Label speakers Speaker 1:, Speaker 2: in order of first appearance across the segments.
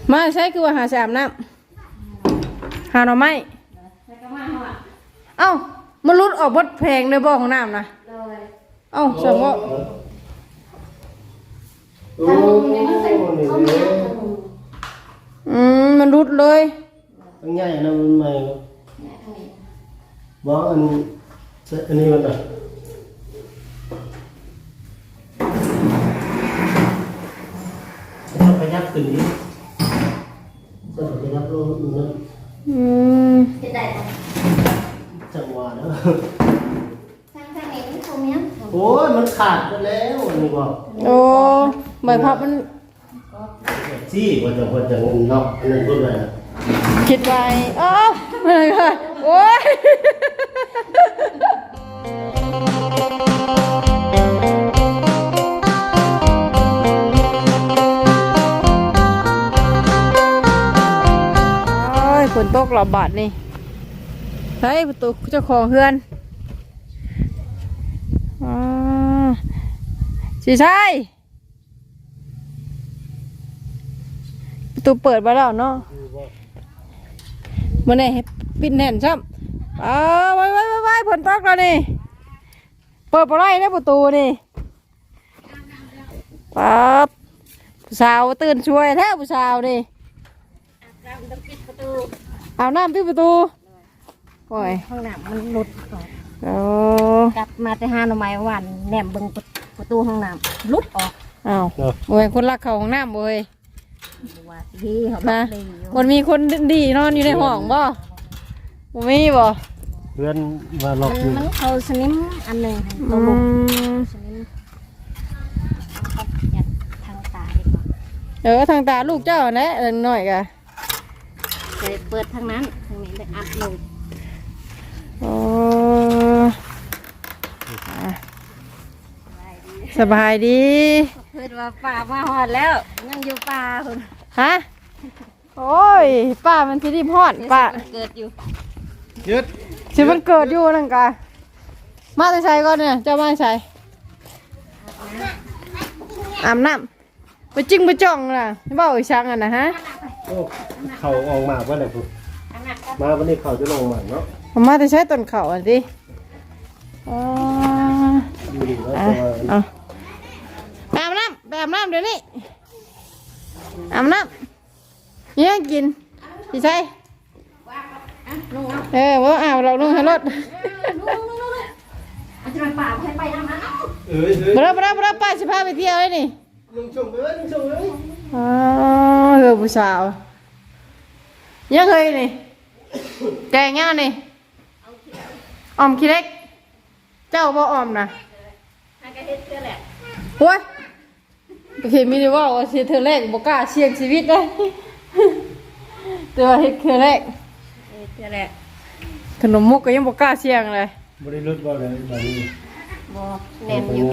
Speaker 1: มาใช้คือว่าหาสามน้ำหาหน่อไม้เอ้ามันรุดออกบดแพงในบ่อของน้ำนะเอ้าสมมติมันรุดเลย
Speaker 2: ตั้งใหญ่นะมันใหม่บอกอันนี้มันอ่ะต้องขยับขึ้นนี้ต้องขยับลงนะจังหวะนะโอ้ยมันขาดไปแล้วอันนี้บอก
Speaker 1: โอ้ใบพับมัน
Speaker 2: จี้ว่าจะนอกอันนั้นพูดอะไรนะ
Speaker 1: คิดไว้อ้าวไม่เลยค่ะโอ้ยฝนตกระบาดนี่ใช่ประตูเจ้าของเฮือนสิใช่ประตูเปิดมาแล้วเนาะมันเนี่ยปิดแน่นซ้ำไว้ฝนตกแล้วนี่เปิดอะไรนะประตูนี่ปั๊บผู้สาวตื่นช่วยแท้ผู้สาวนี่เอาน้ำปิดประตูโอ้ย
Speaker 3: ห้องน้ำมันหลุดก่อนกลับมาแต่ห้าหน่อไม้วันแหนมเบิ่งประตูห้องน้ำหลุดออก
Speaker 1: อ้าวโอ้ยคนรักเขาห้องน้ำโอ้ย
Speaker 3: ว่าดีเขา
Speaker 1: นะมันมีคนดีนอนอยู่ในห้องบ่มันมีบ่
Speaker 2: เพื่อนว่าล็อกอยู่
Speaker 3: มันเขาสนิมอันหนึ่งตัวลงสนิมยัดทางตาดีกว่า
Speaker 1: ทางตาลูกเจ้านะหน่อยกะ
Speaker 3: เปิดทางนั้นทางนี้เลยอัดลง
Speaker 1: สบายดี
Speaker 3: เพื่อนว่าป่ามาหอดแล้วยังอยู่ป่าคุณ
Speaker 1: ฮะโอ้ยป่ามันที่รีบหอดป่า
Speaker 3: เกิดอยู่
Speaker 2: ยึด
Speaker 1: ชีวิตเกิดอยู่นั่นกะมาใส่ก่อนเนี่ยเจ้ามาใส่อาบน้ำไปจิ้งไปจ่องน่ะไม่บอกอีช่างอ่ะนะฮะ
Speaker 2: โอ้เข่าออกมาว่าอะไรคุณมาวันนี้เข่าจะลงมาเนาะ
Speaker 1: มาจะใช้ต้นเข่าอ่ะดิอาบน้ำแบบน้ำเดี๋ยวนี้อาบน้ำเนี่ยกินพี่ใช่ว่าอาบเราลงให้รถเราป้าสิพาไปเที่ยวเลยนี่
Speaker 2: ลุงชมเลย
Speaker 1: ผู้สาวยังเคยนี่แกงยังนี่ออมขี้เล็กเจ้าบ่ออมนะโอ้ยเห็นมีดีว่าเสียเธอแรกบอกกล้าเสี่ยงชีวิตเลยแต่ว่าเฮ็ดเธอแรกขนมมุกก็ยังบอกกล้าเสี่ยงเลย
Speaker 2: บริรุษบ่เลยแบบนี้
Speaker 3: บ่แน่นอยู่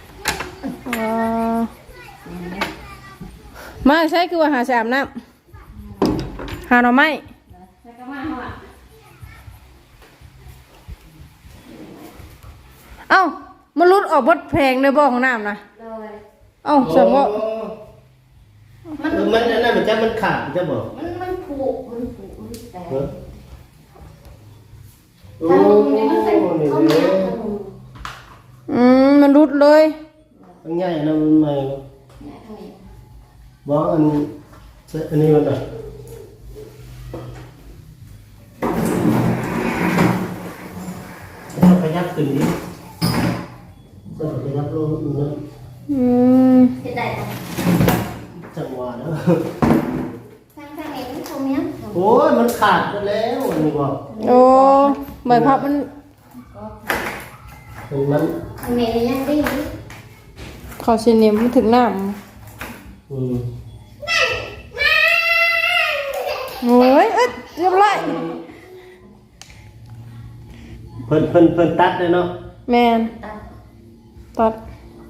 Speaker 1: มาใช้คือว่าหาสามน้ำหาหน่อไม้เอ้ามันรุดออกบดแพงในบ่อของน้ำนะเอ้าสมมติ
Speaker 2: มันนั่นมันจะมันขาดจะบอก
Speaker 3: มันผูกแต่
Speaker 2: โอ้
Speaker 1: มันรุดเลย
Speaker 2: ตั้งใหญ่นะมันใหม่บอกอันนี้มันอ่ะต้องขยับขึ้นนี้ต้องขยับลงนะจังหวะนะโอ้ยมันขาดไปแล้วอันนี้บอก
Speaker 1: โอ้ใบพับมัน
Speaker 3: ยังดี
Speaker 1: เขาเสียเนียมถึงน้ำโอ้ยเรียบร้อย
Speaker 2: เพิ่นตัดเลยเนาะ
Speaker 1: แมนตัด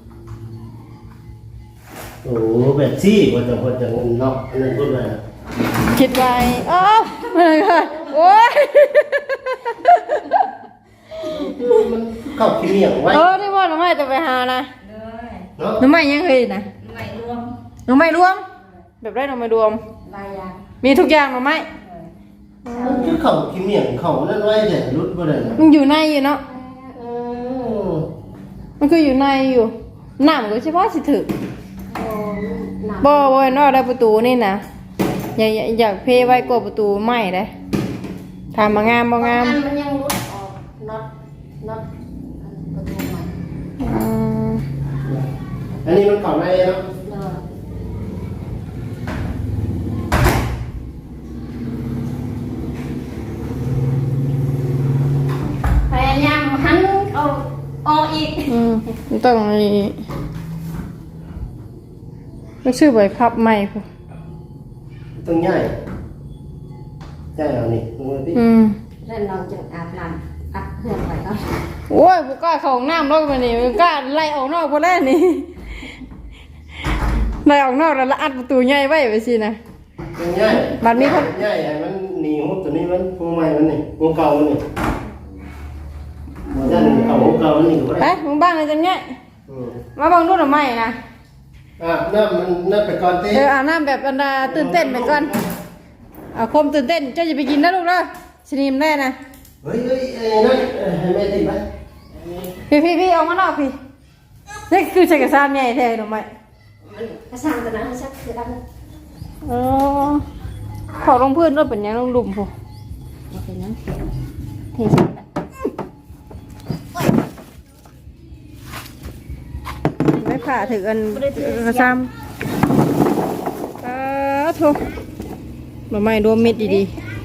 Speaker 2: โอ้แบบซี่ว่าจะเนาะอันนั้นพูดอะไร
Speaker 1: คิดไว้อ้าวไม่เลยค่ะโอ้ย
Speaker 2: มันเข้าขี้เหนียวไว้
Speaker 1: นี่ว่าน้องไม่จะไปหานะน้องไม่ยังเคยนะน้องไม่รวมแบบได้หน่อไม้รวม
Speaker 3: ลายยาง
Speaker 1: มีทุกอย่างหน่อไม้
Speaker 2: มันคือเขาขี้เมียงเขานั่นไว้แต่รุดบ่ได้นะ
Speaker 1: มันอยู่ในอยู่เนาะ
Speaker 2: เออ
Speaker 1: มันคืออยู่ในอยู่น้ำก็เฉพาะสิถึก
Speaker 3: โอ้หนัก
Speaker 1: บ่เห็นว่าได้ประตูนี่นะอยากเพไว้กว่าประตูใหม่เลยถามมางามบ่งาม
Speaker 3: อันมันยังรุดออกน็อตประตูใหม่
Speaker 1: อืม
Speaker 2: อันนี้มันเข้าในเนาะ
Speaker 3: เออพยายามหันเอาออกอีก
Speaker 1: มันต้องมีมันชื่อใบพับใหม่พุ่น
Speaker 2: ต้องใหญ่ใหญ่เอานี่มึงมาพี่
Speaker 3: แล้วเราจึงอาบน้ำอัดเพื่อนไว้ก่อน
Speaker 1: โอ้ยบ่กล้าเข้าห้องน้ำรอกมานี่บ่กล้าไล่ออกนอกบ่แล้วนี่ไล่ออกนอกแล้วละอัดประตูใหญ่ไว้ไปสินะ
Speaker 2: ต้องใหญ่
Speaker 1: บัดนี้คน
Speaker 2: ใหญ่ไอ้มันหนีหุบตัวนี้มันหัวใหม่มันนี่หัวเก่ามันนี่มันจะหนีเอาหัวเก่ามันนี่ก็
Speaker 1: ไป
Speaker 2: ได้
Speaker 1: มึงบ้านเลยจังเนี้ย
Speaker 2: อืม
Speaker 1: มาเบังดูหน่อไม้นะ
Speaker 2: น้ำมันน้ำไปก่อนเต้
Speaker 1: อาบน้ำแบบอันดาตื่นเต้นไปก่อนเอาคมตื่นเต้นเจ้าจะไปกินนะลูกเด้อชนิมได้นะ
Speaker 2: เฮ้ยนั่นให้แม่ติดไหม
Speaker 1: พี่เอามานอกพี่นี่คือใช้กระซานใหญ่แท้หน่อไม้
Speaker 3: กระสังตัวนั้นชักคือดัน
Speaker 1: เออขอลงพื้นรถเป็นยังลงหลุมพู
Speaker 3: โอเคนะเทใส่ละ
Speaker 1: ไม่ผ่าถืออันกระซามทุกหน่อไม้รวมเม็ดดี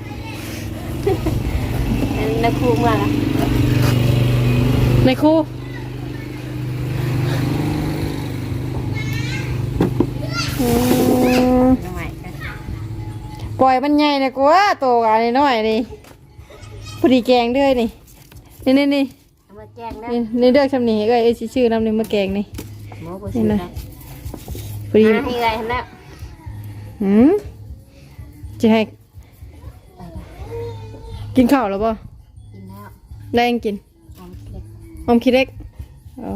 Speaker 3: ในครูมาละ
Speaker 1: ๆในครูอืม
Speaker 3: ทำไมกัน
Speaker 1: ปล่อยมันใหญ่เลยกูว่าโตกันน้อยนี่พอดีแกงด้วยนี่นี่
Speaker 3: เอามาแจ้งนะ
Speaker 1: นี่เลือกชำนี่ก็ไอ้ชื่อน้ำนี่มาแกงนี่
Speaker 3: หมอผู้ชื่อนะ
Speaker 1: พอดี
Speaker 3: ให้ไงเห็นแล้ว
Speaker 1: จะให้
Speaker 3: ไปละ
Speaker 1: กินข้าวแล้วป่ะ
Speaker 3: กินแล้ว
Speaker 1: ได้ยังกิน
Speaker 3: หอมเล็ก
Speaker 1: อมคิดเล็กอ๋อ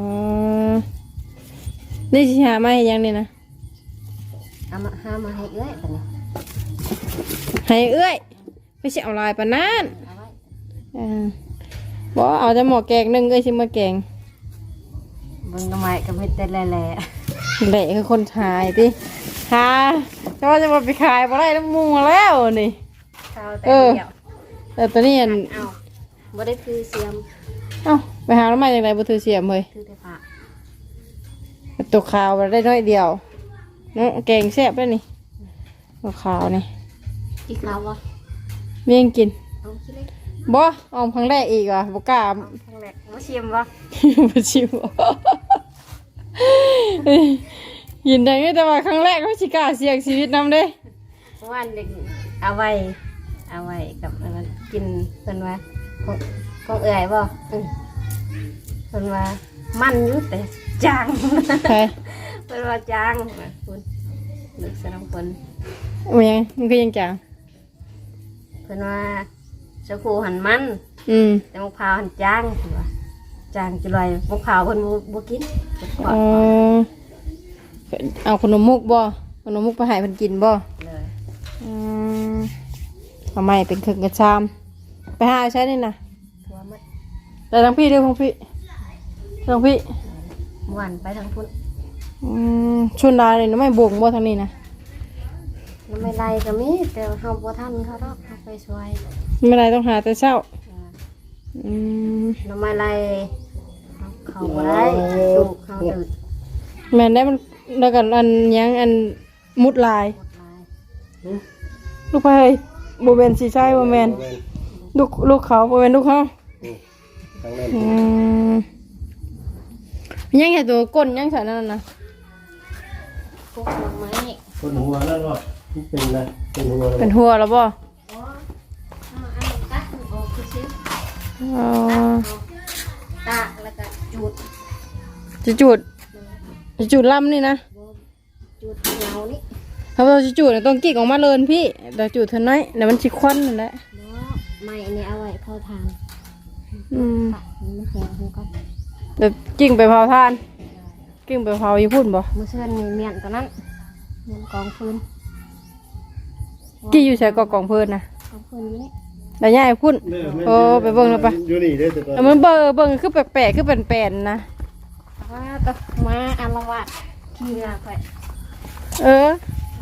Speaker 1: นี่สิหามาให้ยังนี่นะ
Speaker 3: เอามาห้ามาให้เอ้ยตอนนี้
Speaker 1: ให้เอ้ยไม่ใช่เอาลายปะนั่น
Speaker 3: เอาไว้
Speaker 1: บอกเอาจะหมอแกงนึ่งเอ้ยชิมาแกง
Speaker 3: เบิ่งทำไมก็ไม่เต้นแหล่
Speaker 1: แหละคือคนขายดิหาจะว่าจะมาไปขายบ่ได้แล้วมูแล้วนี่
Speaker 3: ๆเข้าแต่เดียว
Speaker 1: แต่ตอนนี้อัน
Speaker 3: เอาบ่ได้คือเสียม
Speaker 1: เอ้าไปหาแล้วมาจากไหนบ่ถือเสียมเลย
Speaker 3: คือแต่ผ้า
Speaker 1: ตัวขาวได้น้อยเดียวเนาะแกงแซ่บแล้วนี่ตัวขาวนี่
Speaker 3: อีกแล้ววะ
Speaker 1: เมี่ยงกิน
Speaker 3: เอาคิดเลย
Speaker 1: บ่ออมครั้งแรกอีกว่ะบ่กล้า
Speaker 3: ครั้งแรกมาชิมวะ
Speaker 1: บ่ชิมยินได้ไงแต่ว่าครั้งแรกเขาสิกล้าเสี่ยงชีวิตนำเด้
Speaker 3: วันเด็กเอาไว้กับอันนั้นกินเพิ่นว่าของเอื่อยบ่เพิ่นว่ามันอยู่แต่จาง
Speaker 1: ใช่
Speaker 3: เพิ่นว่าจางคุณนึกสนองคน
Speaker 1: มันยังมันก็ยังจาง
Speaker 3: เพิ่นว่าสกูหันมัน แต่มะพร้าวหันจางเพิ่นว่าจางจุลอยมะพร้าวเพิ่นบ่กินเพิ่นขอ
Speaker 1: เอาขนมมุกบ่ขนมมุกไปให้เพิ่นกินบ่
Speaker 3: เลย
Speaker 1: ทำไมเป็นครึ่งกระชามไปหาใช้นี่นะ
Speaker 3: ทัวมัด
Speaker 1: แต่ทั้งพี่ด้วยของพี่ทั้งพี่
Speaker 3: ม่วนไปทางพุ่น
Speaker 1: ชวนดาเลยน้ำไม่บวงบ่ทางนี้นะ
Speaker 3: น้ำไม่ไรก็มีแต่เฮาบ่ทันเขาดอกเฮาไปช่วย
Speaker 1: ไม่ไรต้องหาแต่เช้า
Speaker 3: น้ำไม่ไรเขาบ่ได้ลูกเขาตื่น
Speaker 1: แม่นได้มันแล้วกันอันยังอันมุดลาย
Speaker 3: หมดลาย
Speaker 1: ลูกไปเฮ้ยโบเบนสีใช่โบแมนลูกเขาโบเบนลูกเขา
Speaker 2: ครั้งแรก
Speaker 1: ยังไงตัวก้นยังใส่นั่นนะ
Speaker 3: พวกดอกไม้
Speaker 2: คนหัวนั่นก็เป็นอะไรเป็นหัว
Speaker 1: เป็นหัวแล้วบ่
Speaker 3: อ๋อเอาตัดออกคือซิ
Speaker 1: อ๋อ
Speaker 3: ตากแล้วก็จุด
Speaker 1: จะจุดลำนี่นะ
Speaker 3: จุดเงานี่
Speaker 1: ถ้าเราจะจุดต้องกิ๊กออกมาเลยพี่แต่จุดเท่าน้อยเดี๋ยวมันชิควันนั่นแหละ
Speaker 3: เนาะไม้อันนี้เอาไว้เผาทานปักมันแข็งหัวก่อน
Speaker 1: แต่กิ่งไปเผาทานกิ่งไปเผาอยู่พุ่นบ่
Speaker 3: มือเชิญมีเมียนตัวนั้นเมียนกองฟืน
Speaker 1: กี่อยู่ใส่กอกองเพิ่นนะ
Speaker 3: เอาเพิ่นนี่
Speaker 1: แต่ย่ายพุ่นโอ้ไปเบิ่งแล้วไป
Speaker 2: อยู่นี่เด้อแต่ก่อน
Speaker 1: เอามันเบิ่งคือแปลกๆคือเป็นแปลนๆนะ
Speaker 3: ว่าต้องมาอารวาสขี้งาไป
Speaker 1: เออ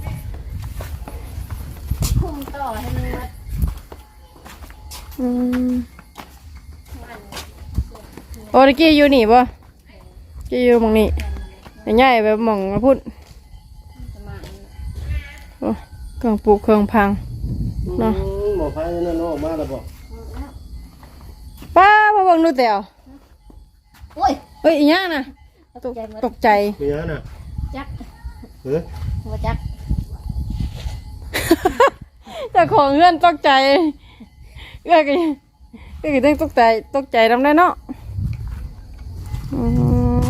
Speaker 3: คุมต่อให้มันมา
Speaker 1: อืม
Speaker 3: มัน
Speaker 1: โอ้ตะกี้อยู่นี่บ่กี้อยู่หม่องนี้แต่ย่ายไปหม่องพุ่น
Speaker 3: จะมา
Speaker 1: โอ้เครื่องปลูกเครื่องพัง เนาะ
Speaker 2: หมอไฟนั่นออกมาแล้วบ่
Speaker 1: ป้ามาเบิ่งดูแต่ว
Speaker 3: โอ้ย
Speaker 1: เฮ้ยอีหยังน่ะ
Speaker 3: ตกใจหมด
Speaker 1: ตกใจ
Speaker 2: มีหยังน่ะ
Speaker 3: จัก
Speaker 2: เฮ้ย
Speaker 3: หัวจัก
Speaker 1: เจ้าของเฮือนตกใจเอื้อก็ต้องตกใจนำได้เนาะอืม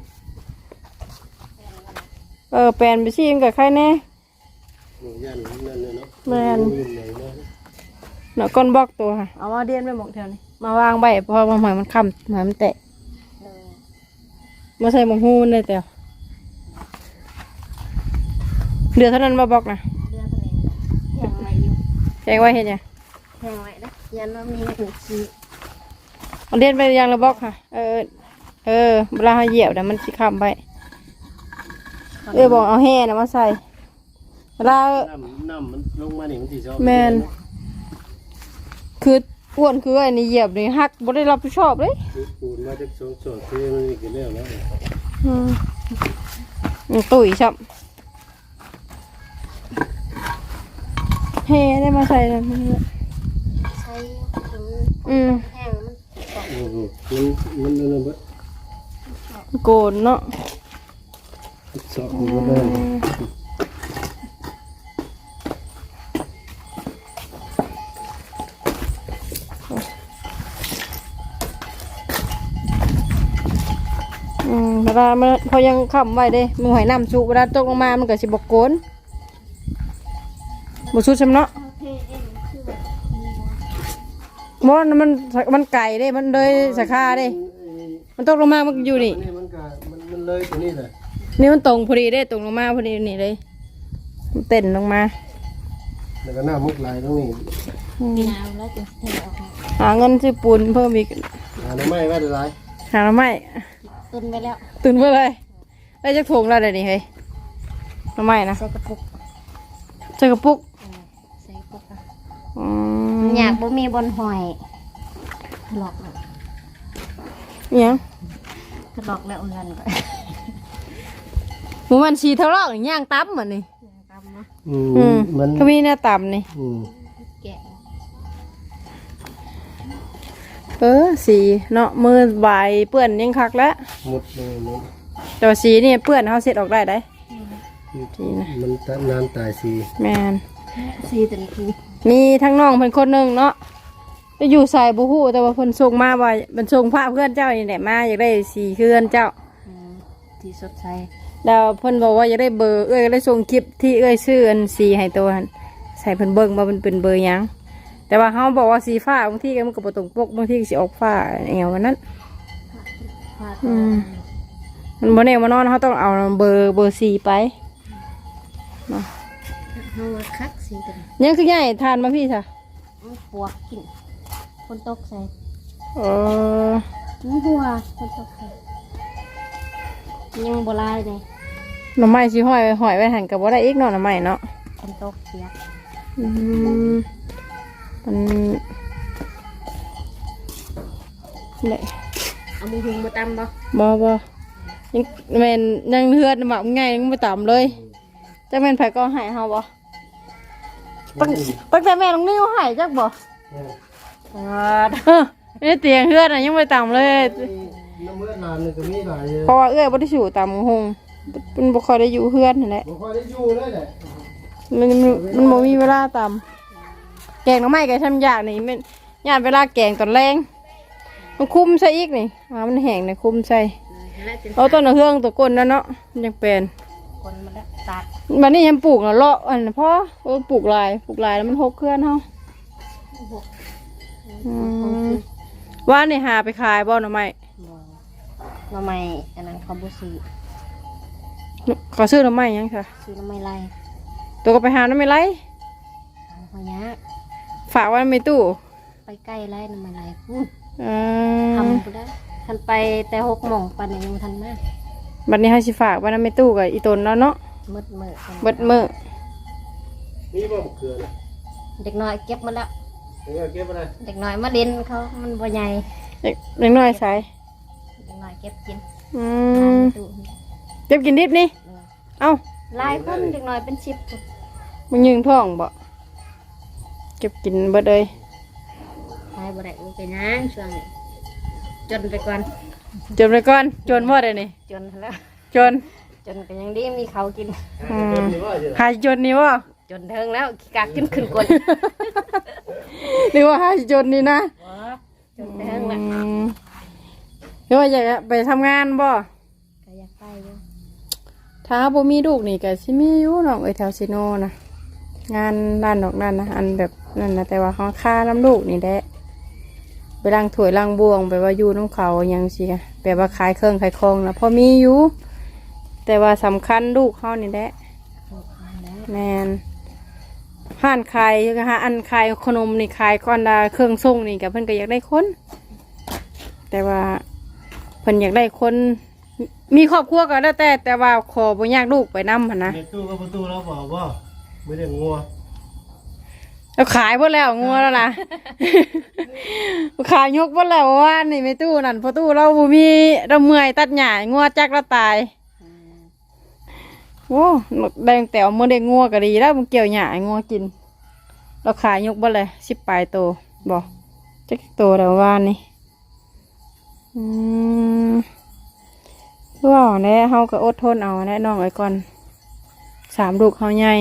Speaker 1: แปลนไปสิมันกับใครแน่
Speaker 2: หนูยันนั่นเลยเนาะ
Speaker 1: แม่น
Speaker 2: อยู่ไหนเนาะ
Speaker 1: เนาะก้นบล็อกตัวค่ะเอามาเดียนไปหมกแถวนี้มาวางใบเพราะว่าหอยมันค้ำหอยมันแตะ
Speaker 3: เออ
Speaker 1: มาใส่หมกฮูมันได้แต่วเดือดเท่านั้นมาบล็อกนะ
Speaker 3: เรือทะเลแห้งไว้อยู่
Speaker 1: แกงไว้เห็นยัง
Speaker 3: แห้งไว้นะยันว่ามีหนึ่งชี
Speaker 1: เอาเดียนไปยังระบล็อกค่ะเวลาเขาเหยียบนะมันสิค้ำไปบอกเอาแห่นะมาใส่เวลา
Speaker 2: น้ำมันลงมานี่มันสิชอบ
Speaker 1: แม่น คืออ้วนคือไอ้นี่เหยียบนี่หักบ่ได้รับผิดชอบเลย
Speaker 2: คือปูนมาจากสองส่วนคือมันมีกี่แล้วนะ
Speaker 1: ตุ๋ยชับเฮ้ได้มาใส่แล้ว
Speaker 3: ใช้ถึง แห้งมัน
Speaker 2: โอ้โหมันนั่นเบิด
Speaker 1: โกนเนาะ
Speaker 2: สอบมันก็ได้
Speaker 1: เวลามันพอยังค้ำไว้เด้มันหอยน้ำสุเวลาตกลงมามันก็สิบกโกนบ่สุดซำเนาะ
Speaker 3: เทเองคือแบบ
Speaker 1: มันไก่เด้มันเลยสาขาเด้มันตกลงมามันอยู่นี่
Speaker 2: มันก็มันเลยตัวนี้แหละ
Speaker 1: นี่มันตรงพอดีได้ตรงลงมาพอดีนี่เลยมันเต้นลงมา
Speaker 2: แล้วก็หน้ามุกลายตรงนี้
Speaker 3: มีน้ำแล้วจะเทออกมา
Speaker 1: หาเงินซื้อปูนเพิ่มอีก
Speaker 2: หาหน่อไม้ไว้ได้หลาย
Speaker 1: หาหน่อไม้
Speaker 3: ตุนไปแล้ว
Speaker 1: ตื่นเพื่ออะไรได้จักถุงแล้วเดี๋ยวนี้เฮ้ยหน่อไม้นะ
Speaker 3: ใส่กระปุก
Speaker 1: เจอกระปุก
Speaker 3: ใส่กระปุกอะ
Speaker 1: อื
Speaker 3: อยากบ่มีบนหอยหลอกแล้ว
Speaker 1: อิหยัง
Speaker 3: หลอกแล้วเงินไป
Speaker 1: หมูมันสีเท่าไรย่างตับเหมือนนี่
Speaker 3: ตามมา
Speaker 2: มัน
Speaker 1: ก็มีหน้าต่ำนี่
Speaker 3: แกะ
Speaker 1: สีเนาะมือใบายเปื้อนยังคักแล้ว
Speaker 2: หมดเลยมัน
Speaker 1: แต่ว่าสีนี่เปื้อนเขาเสร็จออกได้ได้
Speaker 2: มันตัดน้ำตายสี
Speaker 1: แมน
Speaker 3: ซีตัวนี้คือ
Speaker 1: มีทั้งน้องเพิ่นคนหนึ่งเนาะไปอยู่ใส่บุหูแต่ว่าเพิ่นส่งมาว่ามันส่งภาพเพื่อนเจ้านี่แหละมาอยากได้สีเพื่อนเจ้า
Speaker 3: ที่สดใส
Speaker 1: แล้วเพิ่นบอกว่าอยากได้เบอร์ได้ส่งคลิปที่ซื้ออันสีให้ตัวหันใส่เพิ่นเบิ่งว่ามันเป็นเบอร์หยังแต่ว่าเขาบอกว่าสีฟ้าบางทีก็มันก็บ่ตรงปกบางทีก็สิออกฟ้าแอวกันนั้น
Speaker 3: พา
Speaker 1: มันบ่แน่บ่นอนเขาต้องเอาเบอร์สีไปเนาะ
Speaker 3: เฮามาคักซีตัวนี้
Speaker 1: ยังคือใหญ่ทานมาพี่จ้ะ
Speaker 3: ปวกกินคนตกใส่
Speaker 1: เออ
Speaker 3: หัวคนตกใส่ยังโบราณเลย
Speaker 1: หน่อไม้สิห้อยไว้หันกับบ่ได้อีกเนาะหน่อไม้เนาะ
Speaker 3: คนตกเสีย
Speaker 1: มันเนี่ย
Speaker 3: เอามือหุงมาตำบ่
Speaker 1: บ่ยังแม่นยังเฮือดหมักง่ายยังไม่ต่ำเลยจักแม่นไผก็ให้เฮาบ่ตั้งแต่แม่น้องนิ้วให้จักบ่นี่เตียงเฮือดน่ะยังไม่ต่ำเลย
Speaker 2: น้ำเมื่อนานเลยก็มีหลาย
Speaker 1: เพราะว่าเอ้ยบ่ได้อยู่ต่ำหงมันบ่ค่อยได้อยู่เฮือนนั่นแหละ
Speaker 2: บ่ค่อยได้อยู่เลยแหละ
Speaker 1: มันบ่มีเวลาต่ำแกงหน่อไม้ก็ทำยากนี่มันยากเวลาแกงตอนแรงมันคุมใส่อีกนี่มันแห้งนี่คุมใส่ เอาต้นเฮืองตัวก้นนั่นเนาะมันยังเป็น
Speaker 3: คนมาแล้วตัด
Speaker 1: บัดนี้ยังปลูกเนาะเลาะอันพ่อปลูกลายแล้วมันหกเคลื่อนเฮาว่านี่หาไปขายบ่หน่อไม้
Speaker 3: หน่อไม้อันนั้นเขาบุซื้อ
Speaker 1: ขอซื้อหน่อไม้ยังค่ะ
Speaker 3: ซื้อหน่อไม้ไร
Speaker 1: ตัวก็ไปหาหน่อไม้ไรฝากไว้ในตู้
Speaker 3: ไปใกล้ไล่น้ำมันไหลพูด
Speaker 1: เอ
Speaker 3: ทำ
Speaker 1: อ
Speaker 3: กูได้ทันไปแต่6 โมงปันยังทันมาก
Speaker 1: บัดนี้เฮาสิฝากไว้ในตู้กับอีตนแล้วเนาะ
Speaker 3: มืดมืด
Speaker 1: เบิดมื้อ
Speaker 2: นี่บ่มะเขือนะ
Speaker 3: เด็กน้อยเก็บมาแล้ว
Speaker 2: เก็บอะไร
Speaker 3: เด็กน้อยมาเล่นเขามันบ่ใหญ่
Speaker 1: เล็กน้อยใส่
Speaker 3: เด็กน้อยเก็บกิน
Speaker 1: อื
Speaker 3: ทาน
Speaker 1: ม
Speaker 3: ในตู้
Speaker 1: เก็บกินดิบนี่เอ้า
Speaker 3: หลายคนเด็กน้อยเป็น10คน
Speaker 1: มึงยิงท้องบ่เก็บกินเบิดเลย
Speaker 3: ตายบ่ได้บ่เป็นหยังช่วงนี้จนไปก่อน
Speaker 1: จนไปก่อนจนบ่ได้นี่
Speaker 3: จนแล้ว
Speaker 1: จน
Speaker 3: จนก็ยังดีมีเขาวกิน
Speaker 1: หายจนนี่บ่
Speaker 3: จนเทิงแล้วขี้กากกินขึ้นกด
Speaker 1: นี่ว่าหายจนนี่นะ
Speaker 3: จนเทิงแล้ว
Speaker 1: หรือว่าอยากไปทำงานบ่
Speaker 3: ก็อยากไปอยู่
Speaker 1: ถ้าบ่มีลูกนี่ก็สิมีอยู่น้องเอ้ยแถวซิโนนะงานด้านนอกนั่นนะอันแบบนั่นนะแต่ว่าเขาค่าน้ำลูกนี่แหละไปล้างถ้วยล้างบวงไปว่าอยู่น้ำเขาอยังสิค่ะแบบว่าขายเครื่องขายของนะพอมีอยู่ แต่ว่าสำคัญลูกเขานี่แหละแมนห้านขายนะคะอันขายขนมนี่ขายก้อนดาเครื่องส่งนี่กับเพิ่นก็อยากได้คน แต่ว่าเพิ่นอยากได้คน มีครอบครัวก็แล้วแต่ว่าขอบ่อยากลูกไปนำหั่นนะ
Speaker 2: ในตู้ก็ประตูแล้วบอกว่าไม่ได้งัว
Speaker 1: เราขายหมดแล้วงัวแล้วนะ ขายยกหมดแล้วว่านี่ไม่ตู้นั่นพอตู้เราบ่มีเราเมื่อยตัดหญ้างัวจักเราตายโอ้แดงแต่เมื่อได้งัวก็ดีแล้วมันเกี่ยวหญ้าให้งัวกิน เราขายยกหมดเลย10 ปลายโตบอกจักโตแล้วว่านี่ว่าแน่เฮาก็อดทนเอาแน่น้องไอ้ก่อน3 ลูกเฮาใหญ่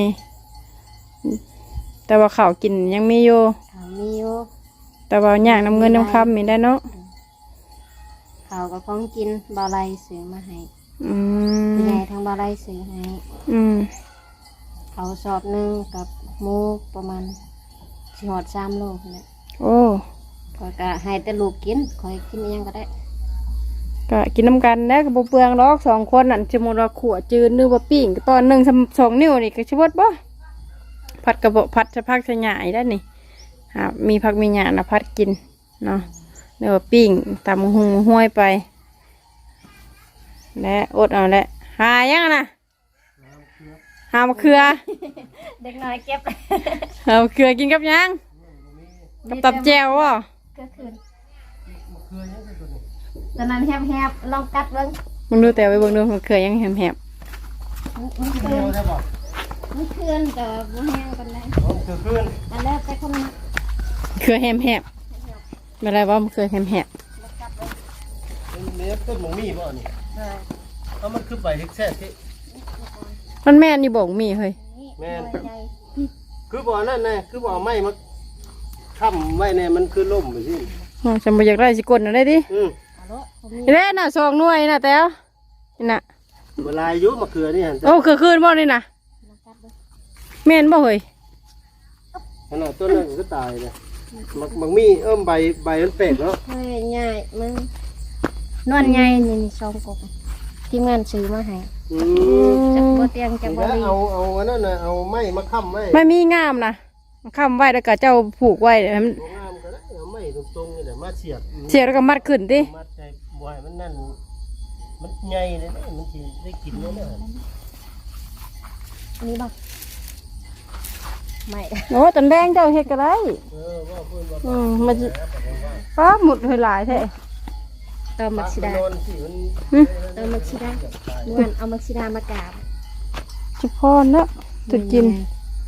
Speaker 1: แต่ว่าข้าวกินยังมีอยู่
Speaker 3: เขามีอยู่
Speaker 1: แต่ว่าอยากนำเงินนำคำมีได้เนาะ
Speaker 3: เขาก็ของกินบาไลซื้อมาให้
Speaker 1: อืม
Speaker 3: ผู้ใหญ่ทางบาไลซื้อให้
Speaker 1: อืม
Speaker 3: เขาสอบหนึงกับหมูประมาณสิฮอด3 โลนี่
Speaker 1: โอ้
Speaker 3: ก็ให้แต่ลูกกินคอยกินอิหยังก็ได้
Speaker 1: ก็กินน้ำกันได้กับเปลืองดอก2 คนนั่นสมมติว่าขวดจืดนึกว่าปิ้งก็ตอน1 2 นิ้วนี่ก็ชิบดบ่ผัดกระบอกผัดจะพักจะหยายได้นี่มีผักมีหยานะพัดกินเนาะเนื้อปิ้งตำหุงห้วยไปและอดเอาแหละหายังนะหามะเขือ
Speaker 3: เด็กน้อยเก็บ
Speaker 1: หามะเขือกินกับยังกับตับแจววะ
Speaker 3: ก็คือตอนนั้นแฮบๆลองกัดเบิ่ง
Speaker 1: มึงดูแต่ไปเบิ่งดูมะเขือยังแหบ
Speaker 3: มันคื
Speaker 2: เดีย
Speaker 3: น
Speaker 2: วได้บอก
Speaker 3: มันคืนแต่ว่าบ่แห้งปานใด
Speaker 2: คือขึ้น
Speaker 3: อันแรกไปคนมัก
Speaker 1: ๆเขือแหบไม่ไรว่ามะเขือแหบ
Speaker 2: เนี้ยต้นหมูมี่บ่นี่
Speaker 3: เลย
Speaker 2: เอามันคือใบเฮ็กแซ่ที่
Speaker 1: ๆมันแม่นนี่บอกมีเฮ้ย
Speaker 3: นี่
Speaker 2: แม่น
Speaker 3: ตัวใหญ่
Speaker 2: คือบ่อนั่นไงคือบ่อไม้มาค้ำไว้เนี่ยมันคือล่มไปสิ
Speaker 1: ฉันบ่อยากได้สิกดน่ะได้ดิ
Speaker 3: เอาโลผมมี
Speaker 1: นี่แหละน่ะ2 หน่วยน่ะแต้วนี่น่ะ
Speaker 2: เวลาอายุมะเขือนี่หั่น
Speaker 1: โอ้คือคืนบ่นี่น่ะ
Speaker 3: ลองกัดเบิ่ง
Speaker 1: แม่นบ่เฮ้ย
Speaker 2: ขนาดต้นนั้นก็ตายเลยมักมี่ใบมันเป็ดเนาะ
Speaker 3: เฮ้ยใหญ่มึงนวลใหญ่นี่ซองกบทีมงานซื้อมาให้
Speaker 2: อืม
Speaker 3: จักบ่เตียงจักบ่
Speaker 2: แล้ว
Speaker 3: ลี
Speaker 2: เอาอันนั้นน่ะเอาไม้มาค้ำไว้
Speaker 1: ไม่มีงามนะค้ำไว้แล้วก็เจ้าผูกไว้ให้มัน
Speaker 2: ตัวงามก็ได้เอาไม้ตรงๆนี่แหละมาเสียบ
Speaker 1: เสียแล้วก็มัดขึ้นดิ
Speaker 2: มัดใจบ่ให้มันนั่นมันใหญ่เลยนะมันสิได้กินแล้วนะ
Speaker 3: นี่บ่ไม่
Speaker 1: โอ้ตันแดงเจ้าเฮ็ดก็ได้
Speaker 2: ว่าเพิ่นว่า
Speaker 1: มันสิฟ้าหมุดเฮยหลายแท้
Speaker 3: ตอมักซิดา
Speaker 2: โดนสิมัน
Speaker 3: ตอมักซิดาม่วนเอามักซิดามากราบ
Speaker 1: สิพรเนาะจะกิน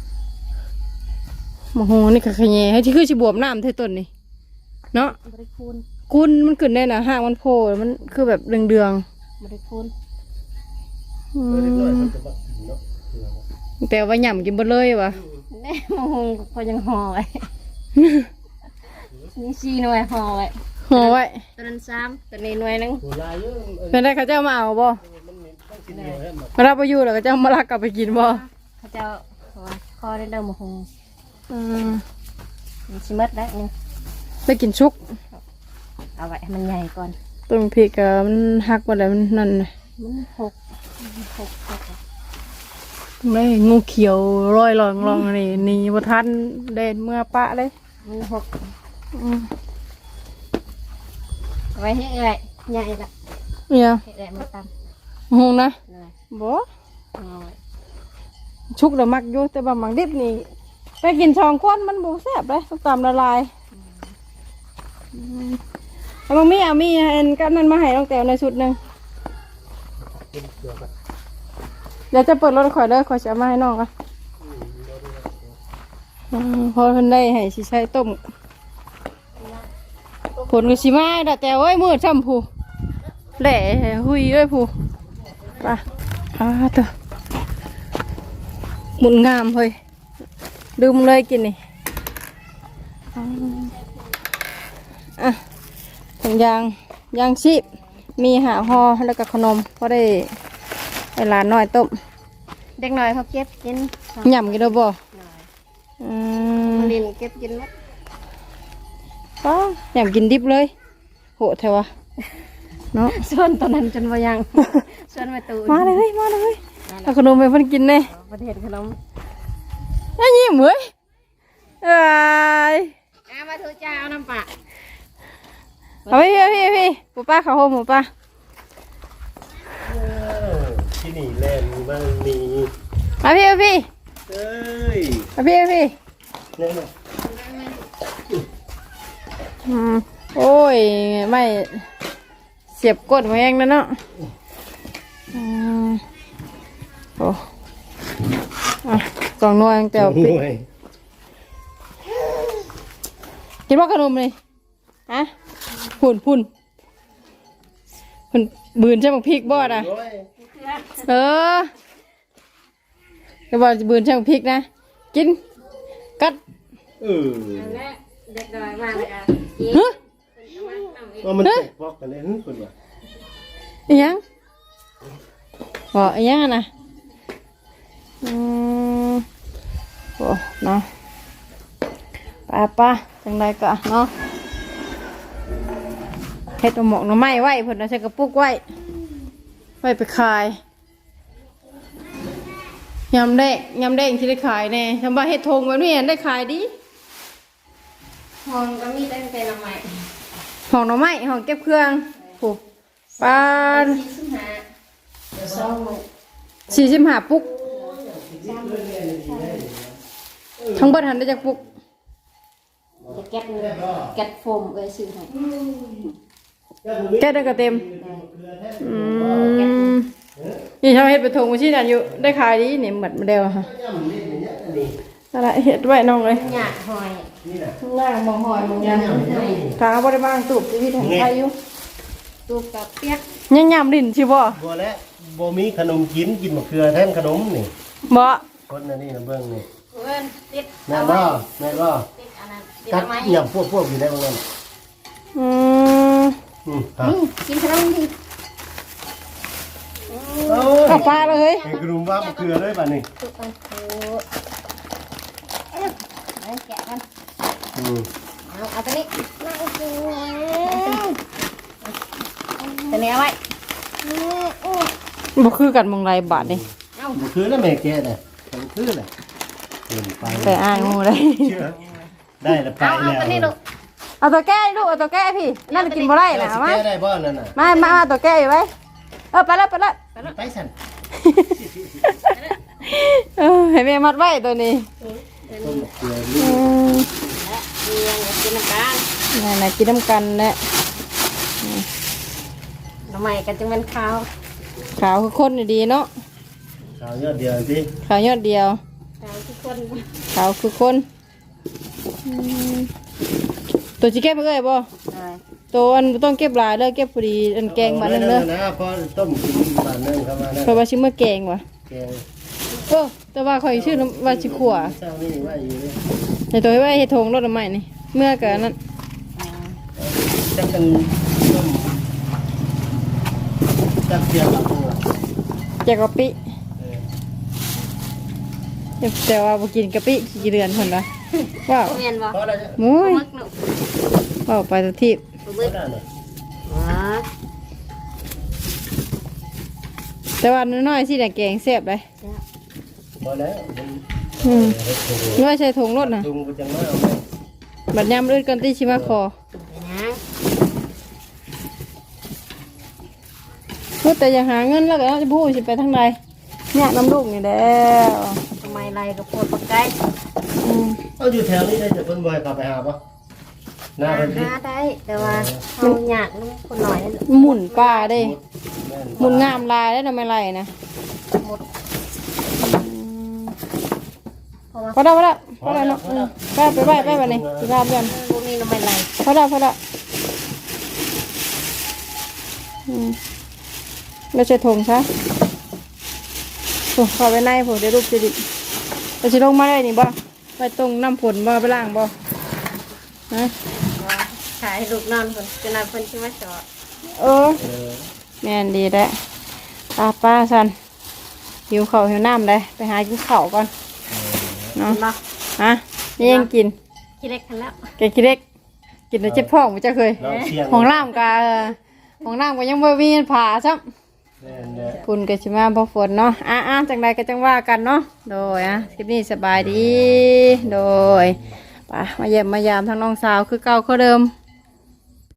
Speaker 1: โอ้โหนี่ก็ขะแยให้ที่คือสิบวมน้ำเท่าต้นนี่เนาะ
Speaker 3: บริคูณ
Speaker 1: คุณมันขึ้นได้นะหางมันโผล่มันคือแบบเดือง
Speaker 3: บริคูณ
Speaker 1: ๆอื
Speaker 2: เล็กน้อย
Speaker 1: ม
Speaker 2: มันจะมากินเนาะ
Speaker 1: แต่ว่าหย่ำกินบ่เลยวะ
Speaker 3: แน่มงพอยังห่อไว้นี่4 หน่วยห่อไว้
Speaker 1: ห่อไว้
Speaker 3: ตัวนั้น3ตัวนี้หน่วยหนึง
Speaker 2: ตัวลายเยอะ
Speaker 1: เป็นได้เขาเจ้ามาเอาบ่
Speaker 2: มันต้องกินเดียวให้มัน
Speaker 1: มารับไปอยู่แล้วก็เจ้ามาลักกลับไปกินบ่
Speaker 3: เขาเจ้าว่าคอได้เดิมมะฮง
Speaker 1: อืม
Speaker 3: มันสิหมดแล้วนี่
Speaker 1: ได้กินชุก
Speaker 3: เอาไว้ให้มันใหญ่ก่อน
Speaker 1: ต้นพริกอะมันหักหมดแล้วมันนั่นเลย
Speaker 3: มันหก
Speaker 1: ไม่งูเขียวร้อยลองนี่นี่บ่ทันเด่นเมื่อปะเลย
Speaker 3: เมันหก
Speaker 1: อืม
Speaker 3: เอาไว้ให้เอื่อยใหญ่ละ
Speaker 1: เนี่ย
Speaker 3: ให้เอื่อยมาต
Speaker 1: หงนะ
Speaker 3: ำเลย
Speaker 1: บ่
Speaker 3: เอาไว้
Speaker 1: ชุกแล้วมักอยู่แต่ว่ามักดิบนี่ไปกิน2คนมันบ่แซ่บเลยต้องตามละลายเอามามีอันกับนั้นมาให้น้องแต้วในชุดหนึงเดี๋ยวจะเปิดรถข่อยเด้อข่อยจะเอามาให้น้องก่อนพอเพิ่นได้ให้สิใช้ต้มผลก็สิมาดะแต่เอ้ยมืดซ้ำผู้แหล่หุยเอ้ยผู้ไปเถอะหมุนงามเฮ้ยดื่มเลยกินนี่ถุงยางชีพมีหาห่อแล้วก็ขนมก็ได้ให้หลานน้อยต้ม
Speaker 3: เด็กน้อยเขาเก็บกิน
Speaker 1: ยำกินได้บ่
Speaker 3: ลินเก็บกินหมด
Speaker 1: ป้ายำกินดิบเลยโหแถวะเนาะ
Speaker 3: ส่วนตอนนั้นจนว่ายังส่วนมาตู
Speaker 1: มาเลยเอาขนมไปเพิ่นกินเลย
Speaker 3: ประเทศขนม
Speaker 1: ไอ้ยิ้มเว้ยเอ้ย
Speaker 3: มาถูจ้าเอาน้ำปลา
Speaker 1: เอาพี่ปู่ป้าเขาโฮมปู่ป้า
Speaker 2: ที่นี่แลนด์มันมี
Speaker 1: เอาพี่
Speaker 2: เอ้ย
Speaker 1: เอาพี่
Speaker 2: เนี่ยนะ
Speaker 1: โอ้ยไม่เสียบกดมาเองนะเนาะโอ้กล่องนวลแต่
Speaker 2: ห
Speaker 1: ปิด
Speaker 2: น่วย
Speaker 1: กินว่าขนมเลยฮะพุ่นบืนใช่ไหมพริกบอดอ่ะ
Speaker 2: โอ้ย
Speaker 1: เออจะบอกบืนใช่ไหมพริกนะกินกัด
Speaker 3: และเด็กน้อยมากเลยอ่ะ
Speaker 1: ฮะ
Speaker 2: ว่ามันแตกบอกกันเลยคนว่า
Speaker 1: อีหยังบอกอีหยังอะนะโอ้เนาะป้าจังไรก็เนาะเฮ็ดหมกหน่อไม้ไว้เพิ่นเอาใส่กระปุกไว้ไปขายยำแดงที่ได้ขายแน่ทำบ้าเฮ็ดทงแบบนี้ได้ขายดี
Speaker 3: ห้องก็มีตั้งแต่ละใหม่
Speaker 1: ห้องหน่อไม้ห้องเก็บเครื่องผูปลา 45 ปุกทั้งเบิดหันได้จากปุก
Speaker 3: จะเก็บโฟมซื้อให้
Speaker 1: แก้ได้ก็เต็มนี่ชาวเฮ็ดไปทงมาชี้นั่นอยู่ได้ขายดีนี่หมดมาเดียวค่ะนั่นแหละเฮ็ดไว้น้องเลย
Speaker 3: หยาดหอย
Speaker 1: ข้างล่างมองหอยมองยังทางบ่ได้บ้างตูบชีวิตของใครอยู่
Speaker 3: ตูบกับเปียก
Speaker 1: ยังยำลิ้นสิบ่
Speaker 2: บัวและบัวมีขนมกินมะเขือแทนขนมนี่
Speaker 1: บ่
Speaker 2: คนอันนี้นะเบิ้งนี่
Speaker 3: เพื่อนติด
Speaker 2: แม่บ่แม่บ่
Speaker 3: ติดอันนั้นติด
Speaker 2: กัด
Speaker 3: ทำไม
Speaker 2: หยับพวกอยู่ได้บ้างนั่น
Speaker 1: อืม
Speaker 2: ครับ
Speaker 3: กินขนมดิ
Speaker 1: เอาปลาเลย
Speaker 2: ไอ้กลุ่มว่ามะเขือเลยป่ะนี่
Speaker 3: ตูบกันโอ้แกะกันเอาตัวนี้ตัวนี้เอาไว้
Speaker 1: บ่คือกันมองไรบาทนี่
Speaker 2: มะเขือแล้วแม่แกน่ะมะเขือน่ะเดินไป
Speaker 1: แต่อ้ายงูเลย
Speaker 2: เชื่อได้แล้วไป
Speaker 3: เอา
Speaker 2: แล้ว
Speaker 3: ตัวนี้ลูก
Speaker 1: เอาตัวแก้ลูกเอาตัวแก้พี่นั่นกินบ่ได้นะ
Speaker 2: เอา
Speaker 1: มา
Speaker 2: แก้ได้บ่นั่นน่ะ
Speaker 1: มาตัวแก้อยู่ไว้ไปแล้ว
Speaker 2: ไปสั่น
Speaker 1: ให้แม่มัดไว้ตัวนี้
Speaker 2: ต้นมะเขือ
Speaker 3: กินน้ำกัน
Speaker 1: นั่นกินน้ำกันแหละ
Speaker 3: ทำไมกันจึงเป็นข้าว
Speaker 1: ขาวคือคนดีเนาะ
Speaker 2: ข้าวยอดเดียวสิ
Speaker 1: ขาวยอดเดียว
Speaker 3: ข้าวทุกคน
Speaker 1: ขาวคือคนตัวจีเก็บไปเลยบ่ตัวอันต้องเก็บหลายเลยเก็บพอดีอันแกงมาหนึ่งเลย
Speaker 2: นะพอต้มกินบาทนึงเข้ามานะ
Speaker 1: เพราะว่าชิมเมื่อแกงว่ะ
Speaker 2: แกง
Speaker 1: แต่ว่าคอยชื่อว่าชิขัว
Speaker 2: เจ้านี่ว่าอยู่เลย
Speaker 1: ในตัวที่ว่าเฮ็ดทงรถใหม่นี่เมื่อกันนั้น
Speaker 2: จะเป็นต้มจับเสียบกับปู
Speaker 1: แจกกะปิแต่ว่าบ่กินกะปิกี่เดือนคนละว้าว
Speaker 3: เมียนบ่
Speaker 2: พอแล้วจ้ะ
Speaker 1: มุ้ย
Speaker 3: มักหนุก
Speaker 1: ว้าวไปทุกที่
Speaker 2: พอแล้วเนี่ย
Speaker 1: แต่ว่าน้อยๆสิน่ะแกงแซ่บเลย
Speaker 2: พอแล้ว
Speaker 1: น้อยใส่ถุงรถน่ะ
Speaker 2: ลุงก็จะมาเอาไป
Speaker 1: บัดยามลื่นกันที่ชิมาคอ
Speaker 3: ไปนะ
Speaker 1: พูดแต่อย่าหาเงินแล้วก็จะพูดสิไปทางใดเนี่ยน้ำลูกนี่แล้ว
Speaker 3: ทำไมไรกับโพดปากไก่
Speaker 1: อืม
Speaker 2: เอาอยู่แถวนี้ได้จะเพิ่นบ่ให้กลับไปหาปะหน้าเพิ่นสิ
Speaker 3: หาได้แต่ว่าเขาอยากลูกคนหน่อย
Speaker 1: หมุนป่าเด้
Speaker 2: แม่น
Speaker 1: หมุนงามลายได้ทำไมไรนะ
Speaker 3: หมดเพราะว่า
Speaker 1: พอแล้วพอแล้วเนาะไปวันนี้สิพาเพื่อน
Speaker 3: พวกนี้ทำไมไร
Speaker 1: พอแล้วเราจะถงซะโอ้ขอไปในผมเดี๋ยวรูปจะดิเราจะลงมาได้นี่บ่ไปตรงน้ำฝนบ่ไปล่างบ่นะ
Speaker 3: ขายลูกนอนคนจะนอนคนที่มาจอด
Speaker 1: เออแม่นดีแหละป้าสันหิวข้าวหิวน้ำได้ไปหากินข้าวก่อนเนาะ
Speaker 3: บ่
Speaker 1: ฮะนี่ยังกิน
Speaker 3: คิดเล็กกันแล้ว
Speaker 1: แกงขี้เล็กกินแล้วเจ็บท้องมันจะเคย
Speaker 2: เราเชียง
Speaker 1: ของล่ามกาของล่ามก็ยังบ่มีผ่าซ้ำ
Speaker 2: แม่นแหละ
Speaker 1: คุณก็สิมาพอฝนเนาะจังใดก็จังว่ากันเนาะโดยคลิปนี้สบายดีโดยป่ะมาเยี่ยมมายามทั้งน้องสาวคือเก่าคือเดิม